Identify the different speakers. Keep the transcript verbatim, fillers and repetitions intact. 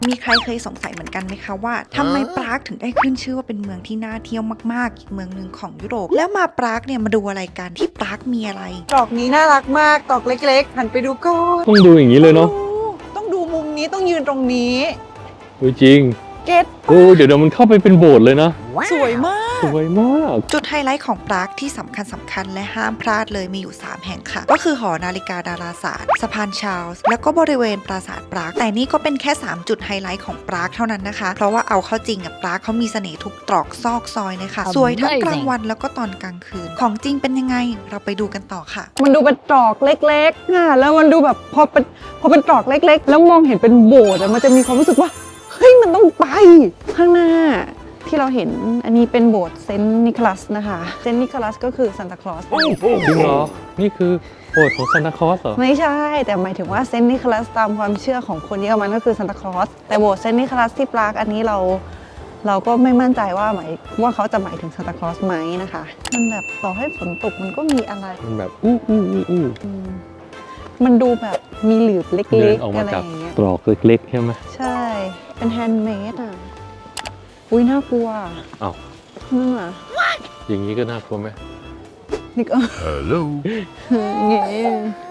Speaker 1: มีใครเคยสงสัยเหมือนกันไหมคะว่าทำไมปรากถึงได้ขึ้นชื่อว่าเป็นเมืองที่น่าเที่ยวมากๆอีกเมืองหนึ่งของยุโรปแล้วมาปรากเนี่ยมาดูอะไรกันที่ปรากมีอะไร
Speaker 2: ดอกนี้น่ารักมากดอกเล็กๆหันไปดูก่อน
Speaker 3: ต้องดูอย่างนี้เลยเนาะ
Speaker 2: ต้องดูมุมนี้ต้องยืนตรงนี้
Speaker 3: จริง
Speaker 2: เก็ต
Speaker 3: โอ้เดี๋ยวเดี๋ยวมันเข้าไปเป็นโบสถ์เลยนะ
Speaker 2: สวยมาก
Speaker 3: สวยมาก
Speaker 1: จุดไฮไลท์ของปรากที่สำคัญสำคัญและห้ามพลาดเลยมีอยู่ สาม แห่งค่ะ ก็คือหอนาฬิกาดาราศาสตร์สะพานชาร์ลส์แล้วก็บริเวณปราสาทปรากแต่นี่ก็เป็นแค่ สาม จุดไฮไลท์ของปรากเท่านั้นนะคะ เพราะว่าเอาเข้าจริงอะปรากเขามีเสน่ห์ทุกตรอกซอกซอยเลยค่ะ สวยทั้งกลางวันแล้วก็ตอนกลางคืน ของจริงเป็นยังไงเราไปดูกันต่อค่ะ
Speaker 2: มันดูเป็นตรอกเล็กๆอ่ะแล้วมันดูแบบพอเป็นพอเป็นตรอกเล็กๆ แล้วมองเห็นเป็นโบสถ์อะมันจะมีความรู้สึกว่าเฮ้ยมันต้องไปข้างหน้าที่เราเห็นอันนี้เป็นโบสถ์เซนต์นิโคลัสนะคะเซนต์นิโคลัสก็คือซานตาคลอส
Speaker 3: จริงเหรอ นี่คือโบสถ์ของซานตาคลอสเหรอ
Speaker 2: ไม่ใช่แต่หมายถึงว่าเซนต์นิโคลัสตามความเชื่อของคนเยอรมันก็คือซานตาคลอสแต่โบสถ์เซนต์นิโคลัสที่ปรากอันนี้เราเราก็ไม่มั่นใจว่าหมายว่าเขาจะหมายถึงซานตาคลอสไหมนะคะมันแบบต่อให้ฝนตกมันก็มีอะไร
Speaker 3: มันแบบอู้อู้อู้อู้
Speaker 2: อืมมันดูแบบมีหลืบเ
Speaker 3: เดิ
Speaker 2: ล็
Speaker 3: น
Speaker 2: ก
Speaker 3: ออก
Speaker 2: ๆ
Speaker 3: มา
Speaker 2: อะไร
Speaker 3: จาก
Speaker 2: อย่างเงี้ย
Speaker 3: ตรอกเล็กๆใช่ไหม
Speaker 2: ใช่ เป็นแฮนด์เมดอ่ะ อุ้ยน่ากลัว
Speaker 3: อ้าว
Speaker 2: นั่นอ่ะ
Speaker 3: อย่างนี้ก็น่ากลัวไหม
Speaker 2: นี่ก็
Speaker 3: Hello
Speaker 2: เงี้ย